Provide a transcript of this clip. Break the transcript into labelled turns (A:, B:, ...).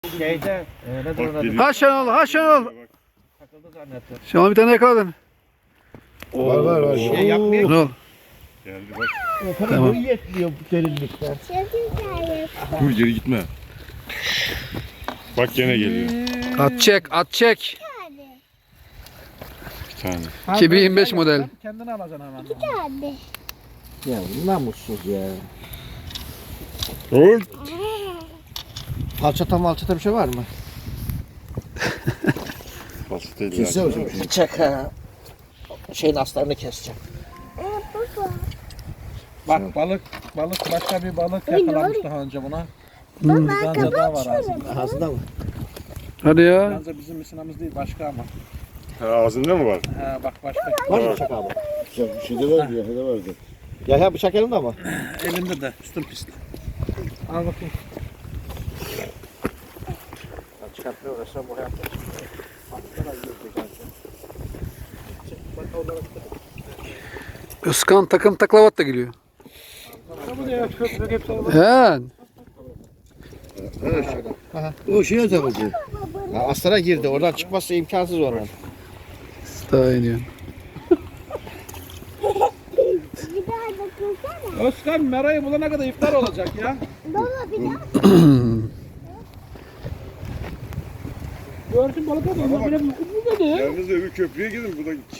A: Şeyde ne durumda?
B: Ha Şenol, ha Şenol.
A: Takıldı zannettim.
B: Şenol bir tane yakaladın.
C: Var.
A: Şey yapmıyor.
B: Şenol.
C: Geldi bak.
B: Tamam.
A: Bu yetmiyor bu derinlikten.
C: Dur geri gitme. Bak gene geliyor.
B: At çek, at çek.
C: Bir tane.
B: 2025 model.
A: Kendini alacaksın hemen.
D: Hadi.
A: Ya namussuz ya.
C: Dur.
A: Malçata bir şey var mı?
C: Basit değil.
A: Kesse
C: ya.
A: hocam. Çek ha. Şeyin aslarını keseceğim. Bak balık başka bir balık yakalamış daha önce buna. Bir ganza daha var ağzında. Ağzında mı?
B: Hadi ya.
A: Ganza bizim misinamız değil başka ama.
C: Ha, ağzında mı var?
A: Ha bak başka.
C: Var mı
A: bıçak abi?
E: Bir şey de vardı, ya da vardı.
A: Ya bıçak elinde ama. Elinde de üstün pisli. Al bakayım. Ben çıkartmaya uğraşsam bu hayatta
B: Özkan takım taklavat da geliyor. He.
E: O şeye takıldı.
A: aslara girdi. Oradan çıkması imkansız oradan.
B: Daha iniyor.
D: Bir daha dokunsana.
A: Özkan merayı bulana kadar iftar olacak ya.
D: Baba bir daha.
A: Gördün balık adamı.
C: Yalnız öbür köprüye gidin. Bu da